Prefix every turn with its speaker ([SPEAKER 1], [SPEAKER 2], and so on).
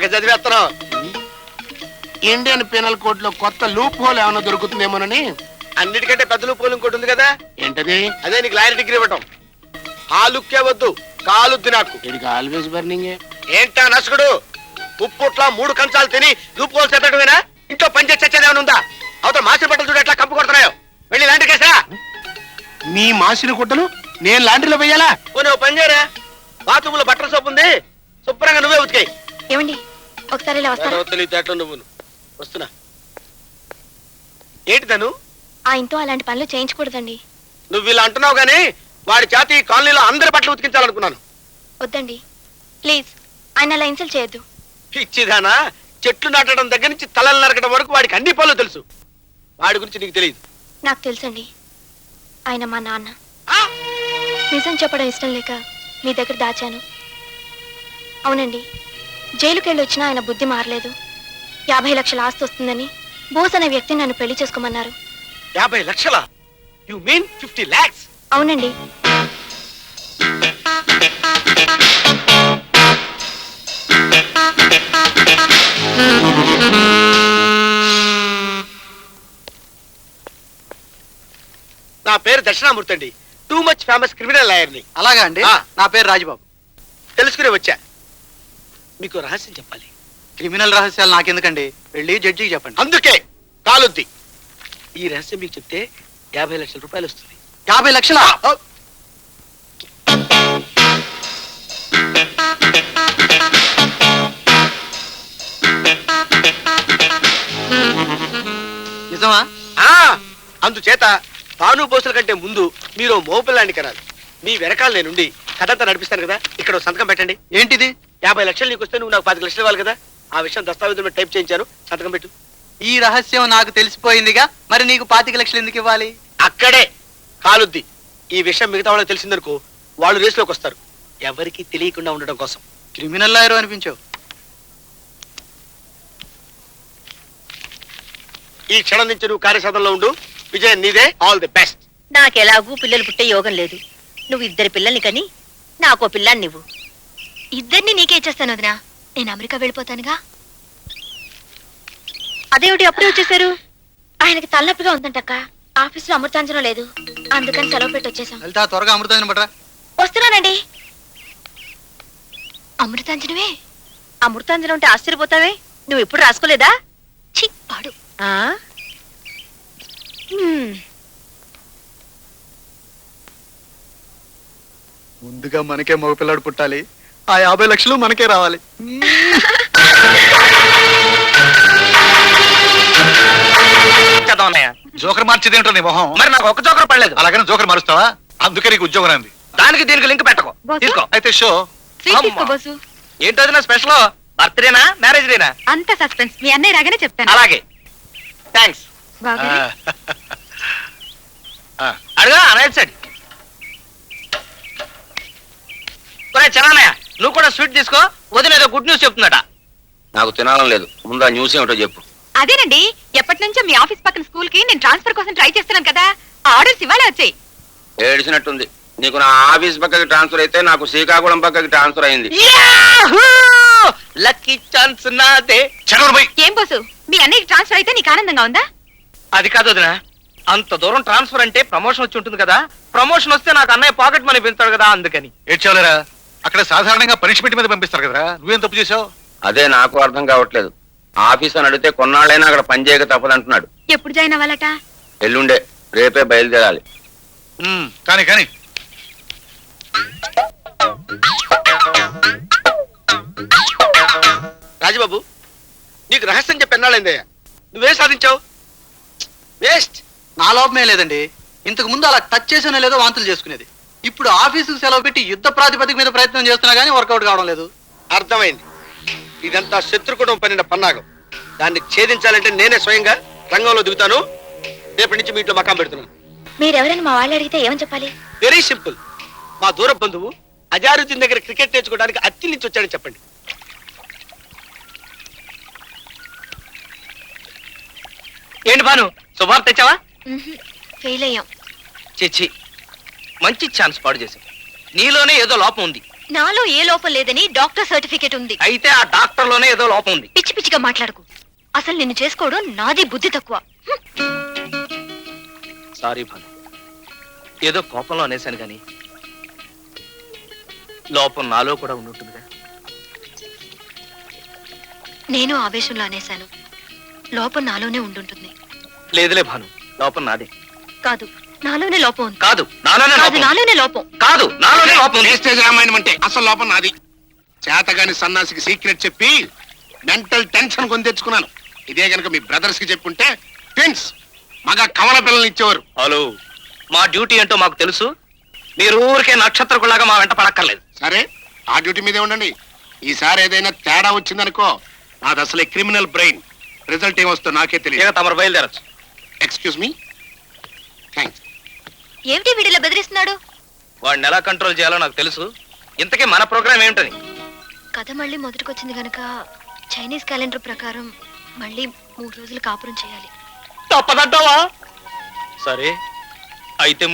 [SPEAKER 1] చదివేస్తున్నావు.
[SPEAKER 2] Indian penal code లో కొత్త loop whole ఏమైనా దొరుకుతుందేమోనని.
[SPEAKER 1] అన్నిటికంటే పెద్ద లూప్ హోల్ ఇంకోటి ఉంది కదా.
[SPEAKER 2] ఏంటది?
[SPEAKER 1] అదే నీకు లాయర్ డిగ్రీ ఇవ్వటం. ఆ లుక్కే వద్దు, కాలుద్ది నాకు.
[SPEAKER 2] ఇది ఆల్వేస్ బర్నింగ్.
[SPEAKER 1] ఏంటా నసుకుడు? ఉప్పుట్ల 3 కంచాలు తిని లూప్ హోల్ చెప్పటమేనా? ఇంట్లో పని చేసి చచ్చేదేమైనా ఉందా? అవతల మాసిన బట్టలు చూడు ఎట్లా కంపు కొడుతున్నాయో. వెళ్ళి లాంటి కేసా.
[SPEAKER 2] మీ మాసిన గుట్టలు నేను లాండ్రీలో వెయ్యాలా?
[SPEAKER 1] నువ్వు పని చేయరా, బాత్రూమ్ లో బట్టల సోపు ఉంది, శుభ్రంగా నువ్వే ఉతికాయి.
[SPEAKER 3] ఏమండి ఒకసారి ఇలా వస్తారా?
[SPEAKER 1] తెలియదు నువ్వు. వస్తున్నా. ఏంటి తను?
[SPEAKER 3] ఆయనతో అలాంటి పనులు చేయించకూడదండి.
[SPEAKER 1] నువ్వు ఇలా అంటున్నావు గానీ వాడి చేతి ఈ కాలనీలో అందరి బట్టలు ఉతికించాలనుకున్నాను.
[SPEAKER 3] వద్దండి ప్లీజ్, ఆయన అలా ఇన్సల్ట్ చేయొద్దు.
[SPEAKER 1] ఇచ్చిదానా, చెట్లు నాటడం దగ్గర నుంచి తలలు నరకడం వరకు వాడికి అన్ని పనులు తెలుసు. వాడి గురించి నీకు తెలియదు.
[SPEAKER 3] నాకు తెలుసండి, ఆయన మా నాన్న. నిజం చెప్పడం ఇష్టం లేక మీ దగ్గర దాచాను. అవునండి, జైలుకి వెళ్ళి వచ్చినా ఆయన బుద్ధి మారలేదు. 50 లక్షల ఆస్తి వస్తుందని బోస్ అనే వ్యక్తిని నన్ను పెళ్లి చేసుకోమన్నారు.
[SPEAKER 1] 50 లక్షలా? You mean 50 lakhs?
[SPEAKER 3] అవునండి.
[SPEAKER 1] నా పేరు దక్షిణామూర్తి అండి. టూ మచ్ ఫేమస్ క్రిమినల్ లాయర్ని.
[SPEAKER 4] అలాగా అండి. నా పేరు రాజబాబు.
[SPEAKER 1] తెలుసుకునే వచ్చా. మీకు రహస్యం చెప్పాలి.
[SPEAKER 4] క్రిమినల్ రహస్యాలు నాకెందుకండి, వెళ్ళి జడ్జికి చెప్పండి.
[SPEAKER 1] అందుకే కాలుద్ది. ఈ రహస్యం మీకు చెప్తే 50 లక్షల రూపాయలు వస్తుంది.
[SPEAKER 4] 50 లక్షలా? నిజమా?
[SPEAKER 1] అందుచేత భాను బోసుల కంటే ముందు మీరు మోపిల్లాంటి కనాలి. మీ వెనకాల నేనుండి కథంతా నడిపిస్తాను కదా. ఇక్కడ సంతకం పెట్టండి.
[SPEAKER 4] ఏంటిది?
[SPEAKER 1] 50 లక్షలు నీకు వస్తే నువ్వు నాకు 10 లక్షలు ఇవ్వాలి కదా. ఆ విషయం దస్తావేజుల మీద టైప్ చేయించాను. సంతకం పెట్టు.
[SPEAKER 4] ఈ రహస్యం నాకు తెలిసిపోయిందిగా, మరి నీకు 25 లక్షలు ఎందుకు ఇవ్వాలి?
[SPEAKER 1] అక్కడే కాలుద్ది. ఈ విషయం మిగతా వాళ్ళకి తెలిసిందనుకో, వాళ్ళు రేసులోకి వస్తారు. ఎవరికి తెలియకుండా ఉండడం కోసం.
[SPEAKER 4] క్రిమినల్ లాయర్ అనిపించావు.
[SPEAKER 1] ఈ క్షణం నుంచి నువ్వు కార్యసాధనలో ఉండు. విజయ్ నీదే. All the best.
[SPEAKER 5] నాకెలాగూ పిల్లలు పుట్టే యోగం లేదు. నువ్వు 2 పిల్లల్ని కని నాకో పిల్లాన్ని నువ్వు.
[SPEAKER 3] ఇద్దరిని నీకే ఇచ్చేస్తాను వదినా. నేను అమెరికా వెళ్ళిపోతానుగా.
[SPEAKER 5] అదేమిటి అప్పుడే వచ్చేసారు?
[SPEAKER 3] ఆయనకి తలనొప్పిగా ఉందంటక్క. ఆఫీసులో అమృతాంజనం లేదు, అందుకని సెలవు పెట్టి వచ్చేసాం.
[SPEAKER 4] వెళ్తా త్వరగా అమృతాంజనం పట్రా.
[SPEAKER 3] వస్తున్నానండి. అమృతాంజనమే?
[SPEAKER 5] అమృతాంజనం అంటే ఆశ్చర్యపోతావే. నువ్వు ఎప్పుడు రాసుకోలేదా?
[SPEAKER 3] ఛీ, పాడు.
[SPEAKER 4] ముందుగా మనకే మగపిల్లాడు పుట్టాలి, ఆ 50 లక్షలు మనకే రావాలి.
[SPEAKER 1] జోకర్ మార్చేది ఏంటో నీ మొహం. మరి నాకు ఒక్క జోకర్ పడలేదు. అలాగని జోకర్ మారుస్తావా? అందుకే నీకు ఉద్యోగం అంది. దానికి దీనికి లింక్ పెట్టకు. తీసుకో. అయితే షో ఏంటో నా స్పెషల్. బర్త్డేనా మ్యారేజ్ డేనా?
[SPEAKER 5] అంత సస్పెన్స్ మీ అన్నయ్య రాగానే చెప్తాను.
[SPEAKER 1] అలాగే థ్యాంక్స్. అడుగా రైట్ సైడ్. చరణయ్య నువ్వు కూడా స్వీట్ తీసుకో. వదిన ఏదో గుడ్ న్యూస్ చెప్తుందట. నాకు తినాలని లేదు. ముందు ఆ న్యూస్ ఏమిటో చెప్పు.
[SPEAKER 5] అదేనండి, ఎప్పటి నుంచో మీ ఆఫీస్ పక్కన స్కూల్ కి నేను ట్రాన్స్ఫర్ కోసం ట్రై చేస్తున్నాను కదా. ఆ ఆర్డర్స్ ఇవాళ వచ్చాయి.
[SPEAKER 1] ఏడిసినట్టుంది. నీకు నా ఆఫీస్ పక్కకి ట్రాన్స్ఫర్ అయితే నాకు శ్రీకాకుళం పక్కకి ట్రాన్స్ఫర్ అయింది. లక్కీ ఛాన్స్ నాదే.
[SPEAKER 5] ఏం బోసు, మీ అన్నయ్యకి ట్రాన్స్ఫర్ అయితే నీకు ఆనందంగా ఉందా?
[SPEAKER 1] అది కాదు వదినా, అంత దూరం ట్రాన్స్ఫర్ అంటే ప్రమోషన్ వచ్చి ఉంటుంది కదా. ప్రమోషన్ వస్తే నాకు అన్నయ్య పాకెట్ మనీ పెంచుతాడు కదా, అందుకని.
[SPEAKER 6] ఏడ్చావులేరా, అక్కడ సాధారణంగా పనిష్మెంట్ మీద పంపిస్తారు కదరా, నువ్వేం తప్పు చేసావు?
[SPEAKER 1] అదే నాకు అర్థం కావట్లేదు. ఆఫీస్ అని అడిగితే కొన్నాళ్ళైనా అక్కడ పని చేయక తప్పదంటున్నాడు.
[SPEAKER 5] ఎప్పుడు జాయిన్ అవ్వాలట?
[SPEAKER 1] ఎల్లుండే. రేపే బయలుదేరాలి.
[SPEAKER 6] కానీ కానీ
[SPEAKER 1] రాజబాబు, నీకు రహస్యం చెప్పి ఎన్నాళ్ళైందయ్యా? నువ్వేం సాధించావు? వేస్ట్.
[SPEAKER 4] నా లోపమే లేదండి. ఇంతకు ముందు అలా టచ్ చేసినా లేదో వాంతులు చేసుకునేది. ఇప్పుడు ఆఫీసుకు సెలవు పెట్టి యుద్ధ ప్రాతిపదిక మీద ప్రయత్నం చేస్తున్నా గానీ వర్కౌట్ కావడం లేదు.
[SPEAKER 1] అర్థమైంది. ఇదంతా శత్రుకుటం పనిన పన్నాగం. దాన్ని ఛేదించాలంటే నేనే స్వయంగా రంగంలో దిగుతాను. రేపటి నుంచి మీ ఇంట్లో మకాం పెడుతున్నాను.
[SPEAKER 3] మీరెవరైనా మా వాళ్ళు అడిగితే ఏమని చెప్పాలి?
[SPEAKER 1] Very simple. మా దూర బంధువు అజారుద్దీన్ దగ్గర క్రికెట్ నేర్చుకోవడానికి అత్తి నుంచి వచ్చాడని చెప్పండి. ఏంటి భాను, శుభార్త తెచ్చావా?
[SPEAKER 3] ఫెయిల్ అయ్యాం.
[SPEAKER 1] చిచ్చి, మంచి ఛాన్స్ పాడు చేశావు. నీలోనే ఏదో లోపం ఉంది.
[SPEAKER 3] నాలో ఏ లోపం లేదని డాక్టర్ సర్టిఫికేట్ ఉంది.
[SPEAKER 1] అయితే ఆ డాక్టర్ లోనే ఏదో లోపం ఉంది.
[SPEAKER 3] పిచ్చి పిచ్చిగా మాట్లాడకు. అసలు నిన్ను చేసుకోవడం నాది బుద్ధి తక్కువ.
[SPEAKER 1] సారీ భాను, ఏదో కోపంలో అనేశాను గాని లోపం నాలో కూడా ఉంటుందిగా.
[SPEAKER 3] నేను ఆవేశంలో అనేశాను. లోపం నాలోనే ఉండుంటుంది.
[SPEAKER 1] లేదులే భాను, లోపం నాదే.
[SPEAKER 3] కాదు, నాలోనే లోపం ఉంది.
[SPEAKER 1] కాదు నాలోనే
[SPEAKER 3] కాదు,
[SPEAKER 1] లోపం.
[SPEAKER 3] నాలోనే లోపం.
[SPEAKER 1] కాదు నాలోనే లోపం ఉంది.
[SPEAKER 2] వేస్టేజ్ రామాయణం అంటే అసలు లోపం నాది. చేతగాని సన్నాసికి సీక్రెట్ చెప్పి మెంటల్ టెన్షన్ కొని తెచ్చుకున్నాను. ఇదే గనక మీ బ్రదర్స్ కి చెప్పుంటే ట్విన్స్ మగ కవల పిల్లల్ని ఇచ్చేవారు.
[SPEAKER 1] హలో, మా డ్యూటీ ఏంటో మాకు తెలుసు. మీరు ఊరికే నక్షత్రకులాగా మా వెంట పడక్కర్లేదు.
[SPEAKER 2] సరే, ఆ డ్యూటీ మీదే ఉండండి. ఈసారి ఏదైనా తేడా వచ్చిందనుకో, నాది అసలే క్రిమినల్ బ్రెయిన్. రిజల్ట్ ఏమొస్తుందో నాకే తెలియదు.
[SPEAKER 1] ఇక తమరు బయలుదేరచ్చు.
[SPEAKER 2] Excuse me. థ్యాంక్స్.
[SPEAKER 3] ఏమిటి వీడిలా బెదిరిస్తున్నాడు?
[SPEAKER 1] వాడిని ఎలా కంట్రోల్ చేయాలో నాకు తెలుసు. ఇంతకీ మన ప్రోగ్రామ్ ఏమిటని?
[SPEAKER 3] కథ మళ్ళీ మొదటికొచ్చింది గనక చైనీస్ క్యాలెండర్ ప్రకారం మళ్ళీ 3 రోజులు కాపురం చేయాలి.
[SPEAKER 1] తప్పదంటావా? సరే అయితే